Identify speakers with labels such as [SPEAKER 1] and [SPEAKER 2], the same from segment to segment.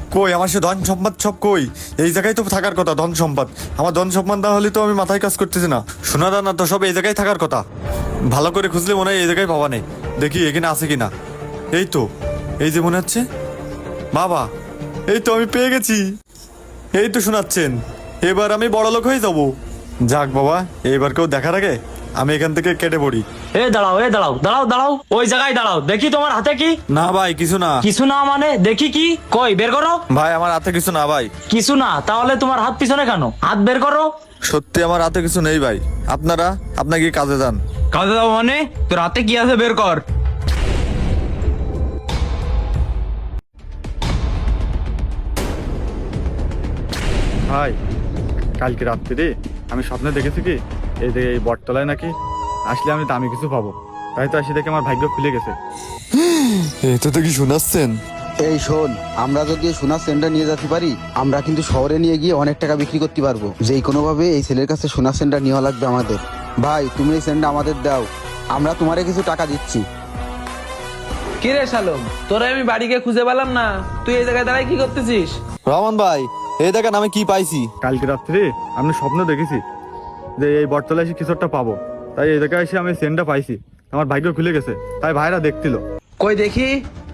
[SPEAKER 1] কই আমার সে ধন সম্পদ সব কই? এই জায়গায় তো থাকার কথা ধন সম্পদ। আমার ধন সম্পদ না হলে তো আমি মাথায় কাজ করতেছি না। সোনা দানা তো সব এই জায়গায় থাকার কথা। ভালো করে খুঁজলে মনে হয় এই জায়গায় পাবা নেই। দেখি এখানে আছে কিনা। এই তো, এই যে মনে হচ্ছে। বাবা, এই তো আমি পেয়ে গেছি। এই তো শোনাচ্ছেন, এবার আমি বড় লোক হয়ে যাব। যাক বাবা, এইবার কেউ দেখার আগে আমি এখান থেকে কেটে পড়ি।
[SPEAKER 2] দাঁড়াও, দাঁড়াও দাঁড়াও দাঁড়াও, ওই জায়গায় দাঁড়াও, দেখি তোমার হাতে কি।
[SPEAKER 1] না ভাই, কিছু না।
[SPEAKER 2] কিছু না মানে দেখি কি, কই বের করো।
[SPEAKER 1] ভাই আমার হাতে কিছু না ভাই।
[SPEAKER 2] কিছু না তাহলে তোমার হাত পিছনে কেন? হাত বের করো।
[SPEAKER 1] সত্যি আমার হাতে কিছু নেই ভাই। আপনারা কি কাজে যান?
[SPEAKER 3] কাজে যাও মানে? তোর হাতে কি আছে বের কর।
[SPEAKER 1] ভাই, কালকে রাত্রিরে আমি স্বপ্নে দেখেছি কি এই যে এই বটতলায় নাকি আসলে আমি দামি কিছু পাবো। তাই তো আসি দেখে আমার ভাগ্য খুলে গেছে। এটা তো কি শোনাচ্ছেন?
[SPEAKER 4] এই শোন, আমরা যদি এই সোনার সেন্টটা নিয়ে যেতে পারি, আমরা কিন্তু শহরে নিয়ে গিয়ে অনেক টাকা বিক্রি করতে পারবো। যেই কোনো ভাবে এই ছেলের কাছে সোনার সেন্টটা নেওয়া লাগবে আমাদের। ভাই, তুমি এই সেন্টটা আমাদের দাও, আমরা তোমারে কিছু টাকা দিচ্ছি।
[SPEAKER 5] কি রে শালম, তোরা আমি বাড়িকে খুঁজে পেলাম না, তুই এই জায়গায় দাঁড়ায় কি করতেছিস?
[SPEAKER 1] রহমান ভাই, এই দেখেন আমি কি পাইছি। কালকে রাত্রে আমি স্বপ্ন দেখেছি যে এই বটতলায় এসে কিছু একটা পাবো। তাই এই জায়গায় এসে আমি সেন্টটা পাইছি। আমার ভাগ্য খুলে গেছে। তাই ভাইরা দেখছিল।
[SPEAKER 5] কই দেখি।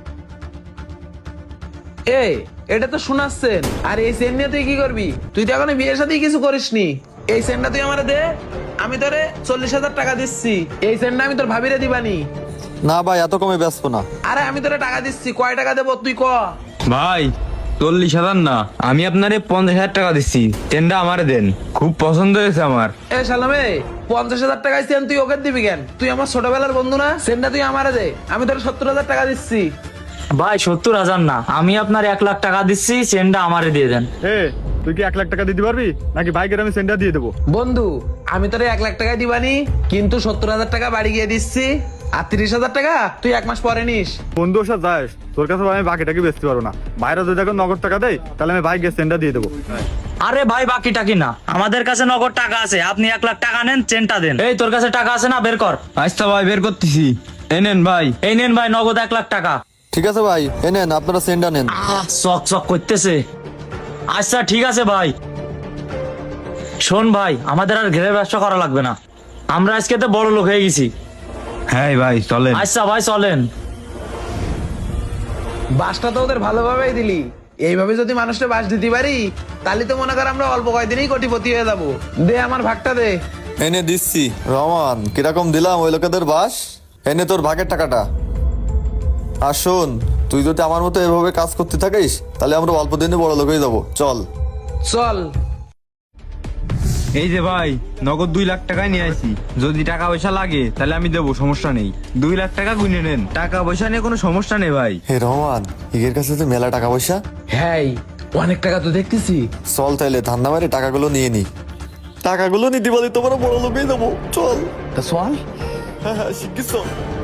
[SPEAKER 5] এই, এটা তো শোনাচ্ছেন। আর এই সেন নিয়ে তুই কি করবি? তুই তো এখনো বিয়ের সাথে কিছু করিসনি। এই সেনটা তুই আমারে দে, আমি তোরে 40,000 টাকা দিচ্ছি। এই সেনটা আমি তোর ভাবিরে দিবানি।
[SPEAKER 1] না ভাই, এত কমে ব্যস্ত না।
[SPEAKER 5] আরে আমি তোরে টাকা দিচ্ছি, কয় টাকা দেবো তুই ক।
[SPEAKER 3] ভাই 40,000 না, আমি আপনারে 50,000 টাকা দিচ্ছি। টেনটা আমারে দেন, খুব পছন্দ হয়েছে আমার।
[SPEAKER 5] এ শালামে, 50,000 টাকায় সেন তুই ওকে দিবি কেন? তুই আমার ছোটবেলার বন্ধু না? সেনটা তুই আমারে দে, আমি তোর 70,000 টাকা দিচ্ছি।
[SPEAKER 2] ভাই 70,000 না, আমি আপনার 1,00,000 টাকা দিচ্ছি, চেনটা আমারে দিয়ে দেন।
[SPEAKER 1] তুই কি 1 লাখ টাকা দিতে পারবি নাকি ভাইকে আমি সেন্টটা দিয়ে দেবো?
[SPEAKER 5] বন্ধু, আমি তোরে 1,00,000 টাকা দিবানি, কিন্তু 70,000 টাকা বাড়ি গিয়ে দিচ্ছি। আর 30,000 টাকা তুই 1 মাস পরে নিস।
[SPEAKER 1] বন্ধু ওর সাথে যাস, তোর কাছে আমি বাকিটাকে বেচতে পারবো না। ভাইরা যদি এখন নগদ টাকা দেয় তাহলে আমি ভাইকে সেন্টটা দিয়ে দেবো।
[SPEAKER 2] আরে ভাই বাকি টাকি না, আমাদের কাছে নগদ টাকা আছে। আপনি 1,00,000 টাকা নেন, চেনটা দেন। এই তোর কাছে টাকা আছে না, বের কর।
[SPEAKER 3] আচ্ছা ভাই, বের করতেছি। এই নেন ভাই।
[SPEAKER 2] এই নেন ভাই, নগদ 1,00,000 টাকা।
[SPEAKER 1] ঠিক আছে ভাই, নেন আপনারা সেন্টটা নেন।
[SPEAKER 2] চক চক করতেছে। আচ্ছা ঠিক আছে ভাই। শোন ভাই, আমাদের আর ঘেরে ব্যবসা করা লাগবে না, আমরা আজকে তো বড় লোক হয়ে গেছি।
[SPEAKER 3] হ্যাঁ ভাই চলেন।
[SPEAKER 2] আচ্ছা ভাই চলেন।
[SPEAKER 5] বাসটা তো ওদের ভালোভাবেই দিলি। এইভাবে যদি মানুষটা বাস দিতে পারি, তাহলে তো মনে কর আমরা অল্প কয়েকদিনই কোটিপতি হয়ে যাবো। দে আমার ভাগটা দে।
[SPEAKER 1] এনে দিচ্ছি। রহমান, কিরকম দিলাম ওই লোকেদের বাস? এনে তোর ভাগের টাকাটা। আর শোন, তুই যদি আমার মতো এভাবে কাজ করতে থাকিস তাহলে আমরা অল্প দিনে বড় লোক হয়ে যাবো। চল
[SPEAKER 5] চল।
[SPEAKER 3] এই যে ভাই, নগদ 2 লাখ টাকায় নিয়ে আসি। যদি টাকা পয়সা লাগে তাহলে আমি দেবো, সমস্যা নেই। 2 লাখ টাকা গুনে নেন, টাকা পয়সা নিয়ে কোনো সমস্যা নেই ভাই।
[SPEAKER 1] হে রহমান, এর কাছে তো মেলা টাকা পয়সা।
[SPEAKER 5] হ্যাঁ, অনেক টাকা তো দেখতেছি।
[SPEAKER 1] চল তাইলে ধান্দা মারে টাকাগুলো নিয়ে নি। টাকাগুলো নিতে পারি তোমরা বড় লোক হয়ে যাবো। চল।
[SPEAKER 5] তা চল।
[SPEAKER 1] হ্যাঁ হ্যাঁ, শিখিস।